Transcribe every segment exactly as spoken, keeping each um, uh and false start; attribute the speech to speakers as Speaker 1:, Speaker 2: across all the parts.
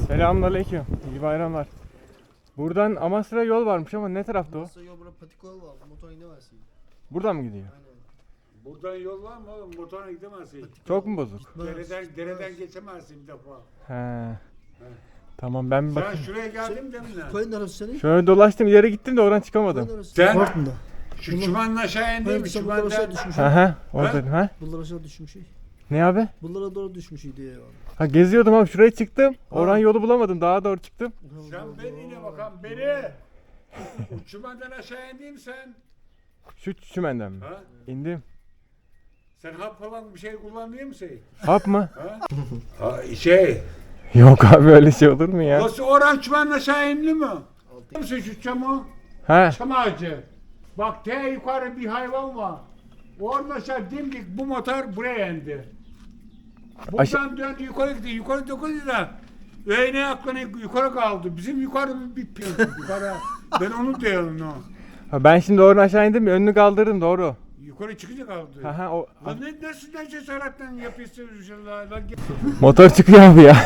Speaker 1: Selamünaleyküm. İyi bayramlar. Buradan Amasra'ya yol varmış ama ne tarafta o?
Speaker 2: Amasra yol burada patik yol var. Motor gidemezsin.
Speaker 1: Buradan mı gidiyor?
Speaker 2: Aynen.
Speaker 3: Buradan yol var mı oğlum? Motorla gidemezsin.
Speaker 1: Çok mu bozuk?
Speaker 3: Dereden, dereden geçemezsin bir defa.
Speaker 1: He. Tamam ben bir
Speaker 3: Sen
Speaker 1: bakayım.
Speaker 3: şuraya geldin de mi lan?
Speaker 2: Koyun neresi senin?
Speaker 1: Şöyle dolaştım ileri gittim de oradan çıkamadım.
Speaker 2: Koyun neresi?
Speaker 3: Sen-
Speaker 2: Bartın'da.
Speaker 3: Şu çumanın aşağı indin
Speaker 2: Hayır
Speaker 3: mi?
Speaker 2: sen bunlar aşağı
Speaker 3: Çumandan.
Speaker 2: düşmüş.
Speaker 1: Aha orada ha?
Speaker 2: Bunlar aşağı düşmüş.
Speaker 1: Ne abi?
Speaker 2: Bunlara doğru düşmüş diye yani.
Speaker 1: Ha geziyordum abi şuraya çıktım. Oradan yolu bulamadım daha doğru çıktım.
Speaker 3: Sen beni yine bakalım beni. O çumandan aşağı indin mi sen?
Speaker 1: Şu çümenden mi?
Speaker 3: Ha?
Speaker 1: İndim.
Speaker 3: Sen hap falan bir şey kullanıyor musun?
Speaker 1: Hap mı?
Speaker 3: Ha? Ha şey.
Speaker 1: Yok abi öyle şey olur mu ya?
Speaker 3: Nasıl oran çumandan aşağı indi mi? Biliyor musun şu çamı?
Speaker 1: He.
Speaker 3: Çam ağacı. Bak te yukarı bir hayvan var. Oradan aşağı dimdik bu motor buraya indi. Buradan
Speaker 1: Aşa-
Speaker 3: döndü yukarı gitti. Yukarı dokundu da öğne aklına yukarı kaldı. Bizim yukarı bir bir yukarı. Ben onu diyorum o.
Speaker 1: Ha, ben şimdi oradan aşağı indim önünü kaldırdım doğru.
Speaker 3: Yukarı çıkınca kaldı.
Speaker 1: Ha ha o
Speaker 3: Lan ne nasıl ne cesaretten yapıyorsun inşallah. Lan git.
Speaker 1: motor çıkıyor abi ya.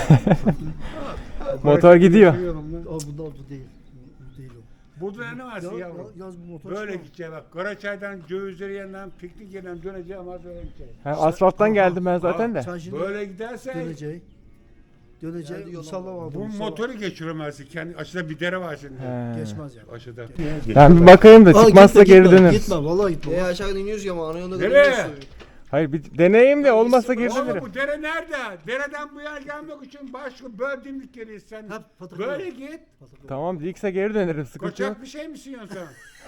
Speaker 1: Motor gidiyor.
Speaker 3: Çıkıyorum lan.
Speaker 2: Aa bunda bu değil. Bu değil o.
Speaker 3: Burada ne var
Speaker 2: Ya,
Speaker 3: yavrum?
Speaker 2: ya, yaz bu motor
Speaker 3: Böyle
Speaker 2: çıkar.
Speaker 3: gideceğim bak. Karaçay'dan Cövizleri yanından piknik yerden döneceğim ama böyle gideceğim.
Speaker 1: Ha, asfalttan geldim ben zaten de.
Speaker 2: Sen şimdi
Speaker 3: Böyle gidersen
Speaker 2: dönecek. Dönecek. Musalla var.
Speaker 3: bu motoru geçiremezsin. Kendi aşağıda bir dere var şimdi.
Speaker 1: He.
Speaker 2: Geçmez yani.
Speaker 3: Aşağıda.
Speaker 1: Ben bir bakayım da
Speaker 2: Aa,
Speaker 1: çıkmazsa
Speaker 2: gitme,
Speaker 1: geri
Speaker 2: gitme,
Speaker 1: döneriz.
Speaker 2: Gitme vallahi gitme.
Speaker 4: E aşağıdan iniyoruz ya ama ana yolda
Speaker 3: Nereye?
Speaker 4: gidiyoruz.
Speaker 1: Hayır bir deneyeyim de olmazsa geri
Speaker 3: Oğlum
Speaker 1: dönerim.
Speaker 3: bu dere nerede? Dereden bu yer gelmek için başka böyle dimdik geliyorsun sen.
Speaker 2: Hep patak
Speaker 3: Böyle
Speaker 2: yol.
Speaker 3: git.
Speaker 1: Tamam dikse geri dönerim sıkıntı yok.
Speaker 3: Koçak bir şey misin ya sen?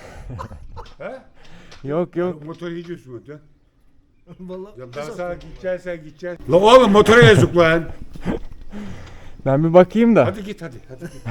Speaker 3: He?
Speaker 1: Yok yok.
Speaker 3: Motor hiç üstüme dön.
Speaker 2: Vallahi.
Speaker 3: Ya ben sana gideceksen gideceksin. La oğlum motora yazık lan.
Speaker 1: Ben bir bakayım da.
Speaker 3: Hadi git hadi. Hadi git.